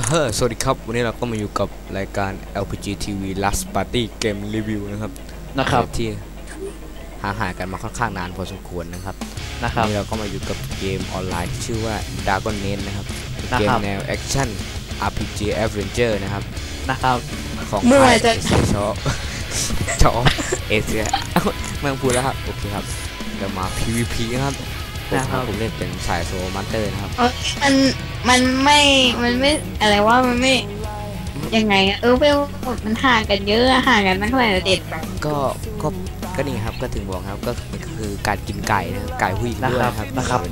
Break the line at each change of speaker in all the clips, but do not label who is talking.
สวัสดีครับวันนี้เราก็มาอยู่กับรายการ LPG TV Last Party Game Review นะครับที่ห่างหายกันมาค่อนข้างนานพอสมควรนะครับวันนี้เราก็มาอยู่กับเกมออนไลน์ที่ชื่อว่า Dragon Nest นะครับเกมแนวแอคชั่น RPG Adventure นะครับของค่ายชอเอเชียไม่ต้องพูดแล้วครับโอเคครับจะมา PVP นะครับผมเล่นเป็นสายโซลมันเตอร์นะครับ
มันไม่อะไรว่ามันไม่ยังไงอะเวลมันห่างกันเยอะห่างกันตั้งแต่เด็ก
ก็นี่ครับก็ถึงบอกครับก็คือการกินไก่นะไก่ผู้หญิงด้วยครับ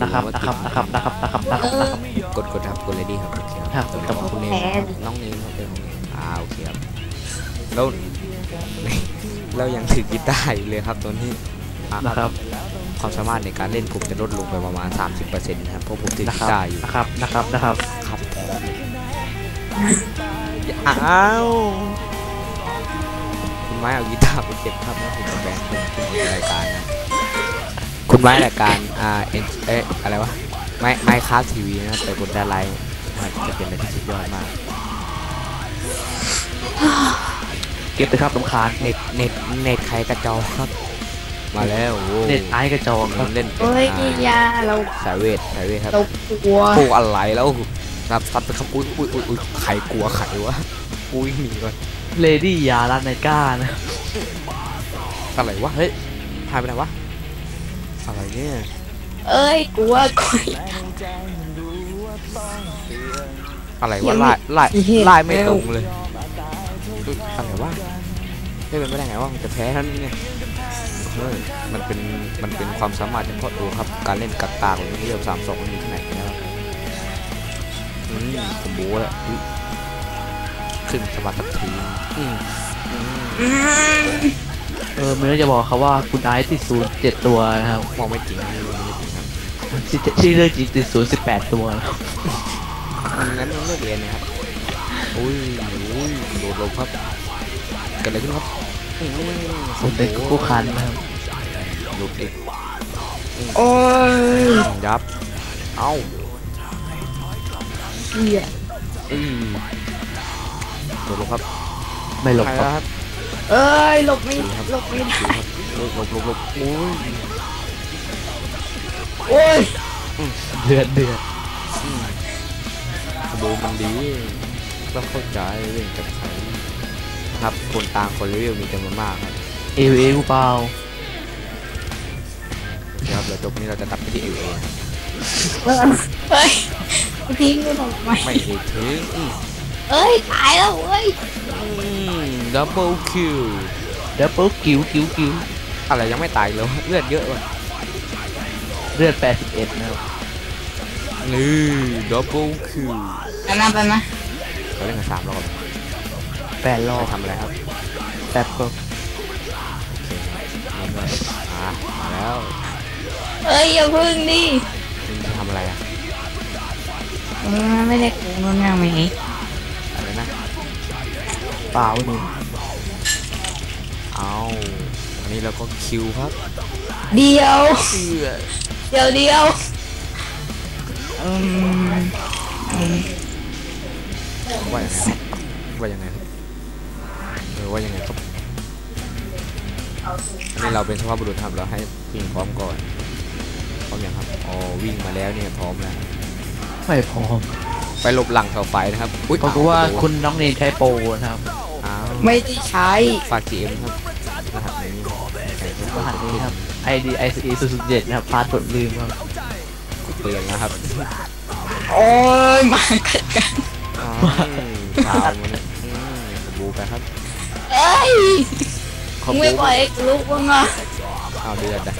กดครับกดเลยดีครับโอเคครับกับคุณเนมน้องเนมครับเป็นของเนมโอเคครับแล้วเรายังถือกีตาร์อยู่เลยครับตัวนี้
นะครับ
ความสามารถในการเล่นผมจะลดลงไปประมาณ 30% นะครับเพราะผมถือกีตาร์อยู่
นะครับ
อ้าวคุณไม้เอากีตาร์ไปเก็บครับนะผมจะแบนคุณรายการนะคุณไม้รายการอะไรวะไมค์คาสทีวีนะแต่กดได้ไลน์จะเป็นอะไรที่สุดยอดมาก
เก็บไปครับลำคาญ
เน็ตใครกระจอกครับมาแล้ว
เน็ตไอกระจอก
เล่น
เป็นยาเรา
สายเวทครับ
เรากลัว
อะไรแล้วซัดไปครับอุ้ยใครกลัวใครวะอุ้ยหนีก่อน
เลดี้ยาลาไนก้านะ
อะไรวะเฮ้ยหายไปไหนวะอะไรเนี่ย
กลัว
อะไรวะไล่ไม่ตรงเลยอะไรวะไม่เป็นไปได้ไงว่ามันจะแพ้เท่านี้เนี่ยมันเป็นความสามารถเฉพาะตัวครับการเล่นกักตาของเรียบ32มันมีที่ไหนนะครับผมโบ้แล้วขึ้นสวัสดิ์สักที
ไม่รู้จะบอกเขาว่าคุณไอซ์ติด07ตัวนะครับ
มองไม่จริงครับ
ที่เลือกจริงติด18ตัวนะครับ
งั้นเลิกเรียนนะครับอุ้ยโดดลงครับเกิดอะไรขึ้นครับ
ผมเป็นคู่คันนะครับ
ลุกดิ
โอ้ย
ยับเอ้าโดดลงครับ
ไม่หลบ
ครับ
หลบไม่ได้
หลบ
โอ้ย
เดือด
โบมันดีต้องเข้าใจเรื่องกับใครครับคนต่างคนรีวิวมีจำนวนมากครับ
เกูเปล่า
ครับแล้วจบนี้เราจะตัดไปที่
เฮ้ยทิ้งกูทำไม
ไม่ได้ทิ้ง
ตายแล้ว
ดับเบิลคิวอะไรยังไม่ตายเลยเลือดเยอะว่ะ
เลือด81นะครับ
นี่ดับเบิลคิว
ไปมา
เขาเล่นกัน3 รอบ
8 รอบ
ทำอะไรครับ
แป๊บก็
มาแล้ว
อย่าพึ่งดิ
จะทำอะไรอ่ะ
ไม่ได้กูมันยังไง
อะไรนะ
เปล่าหนึ่ง
เอาอันนี้เราก็คิวครับ
เดียว
ว่ายังไงครับว่ายังไงครับอันนี้เราเป็นสภาพบุรุษครับเราให้วิ่งพร้อมก่อนพร้อมอย่างครับวิ่งมาแล้วเนี่ยพร้อมแล้ว
ไม่พร้อม
ไปหลบหลังเสาไฟนะครับ
เพราะว่าคุณน้องเนนใช้โปรนะครับ
ไม่ได้ใช้
ฝาก GM ครับรหัส
นี้ครับ ID ICE 007นะครับพาสเวิร์ดลืมครับ
เปลี่ยนนะครับ
มาเกิดกัน
ข่าวมันบูไปครับ
ไม่ปล่อยลูกว่างอ่ะ
เดือดนะ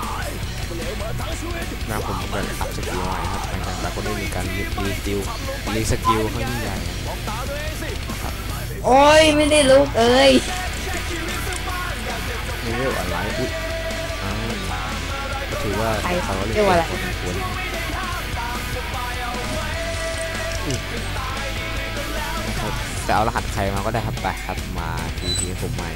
นะผมก็อัพสกิลใหม่ครับแต่ก็ได้มีการรีสกิลข้างใหญ่
ไม่ได้ลูก
นี่เรียกอะไรก็ถือว่าเขาเรียกว่าอะไรจะเอารหัสใครมาก็ได้ครับไปครับมาทีผมใหม่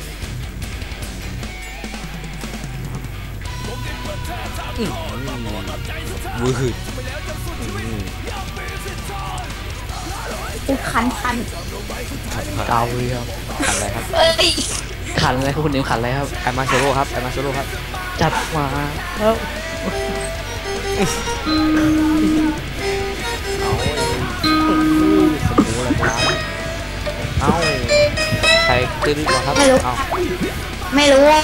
วืด
กูคัน
เกาเลยครับ
ขันอะไรครับ
เอ้ย
ขันอะไรครับคุณเนมขันอะไรครับ
ไอมาโซโล่ครับไอมาโซโล่ครับ
จัดมาแล้ว
สมูอะไรมาเอ้าใครตื้อดีกว่าครับเอ้า
ไม่รู้ว่า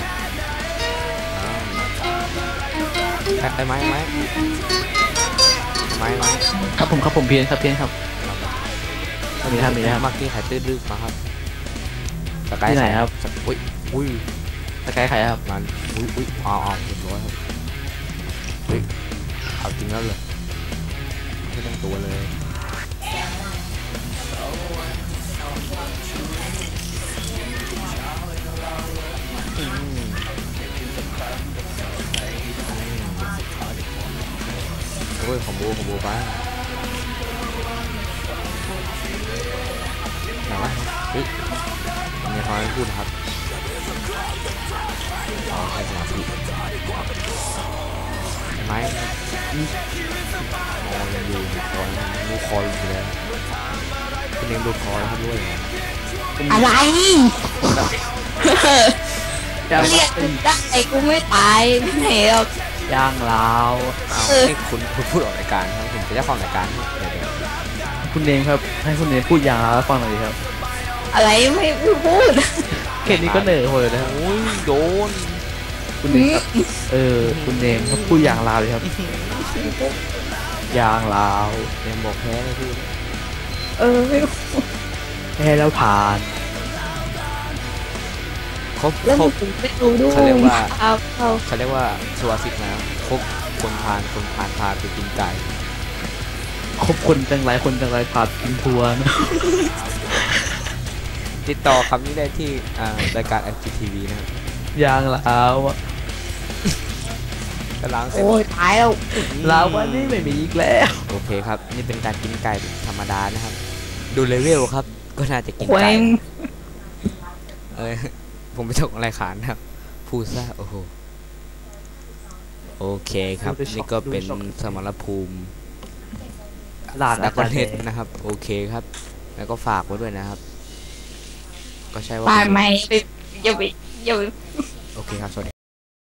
ไอ้ไม้
ครับผมเพียนครับมีนะครับ
เมื่อกี้ใครตื้อดึกมาครับสกาย
ที่ไหนครับ
อุ้ย
สกายใครครับ
มันอุ้ยเอาเรียบร้อยครับเฮ้ยเอาจริงแล้วเลยไม่ต้องตัวเลยโอ้ยของโบบ้าไหนวะเฮ้ยมีความไม่พูดครับอ๋อให้สมาธิเห็นไหมมองยังอยู่คอยดูคอยอยู่แล้วคุณเลี้ยงดูคอยครับด้วย
อะไร
ย่าง
เรียกกูได้กูไม่ตายไม่ไหนหรอก
ย่างลาว
เอาให้คุณพูดออกรายการครับผมจะได้ฟังรายการครับเดี๋ยว
คุณเนมครับให้คุณเนมพูดย่างลาวให้ฟังหน่อยดิครับ
อะไรไม่พูด
แค่นี้ก็เหนื่อยโหยแล้ว
โอ้ยโดน
คุณเนมครับคุณเนมครับพูดย่างลาวเลยครับย่างลาว
เนมบอกแพ้เลยพี่
ไม่
แค่แล้วผ่าน
ครบ
แล้ว
คร
มึ
บ
งไม่รู้ด้วย
เขาเรียกว่า
เอา
เขาเรียกว่าสุภาษิตนะครบคนพานพาไปกินไก่
คบคนจังไรคนจังไรผ่านกินทัวร์นะ
ติดต่อคำนี้ได้ที่รายการ FGTV นะครับ
ย่างลาวอะ
กำลังเสร็จ
โอ้ยตายแล้ว
ลาววันนี้ไม่มีอีกแล้ว
โอเคครับ นี่เป็นการกินไก่ธรรมดานะครับ ดูเลเวลครับ ก็น่าจะกิน
แขว
ไก่
ง
ผมไม่ตกอะไรขานนะครับพูดซะโอ้โหโอเคครับนี่ก็เป็นสมรภูมิ
ลาด
ดั
นะ
กคอนเทนต์นะครับโอเคครับ แล้วก็ฝากไว้ด้วยนะครับ ก็ใช่ว่า
ปากไหมอย่าไป
โอเคครับสวัสดี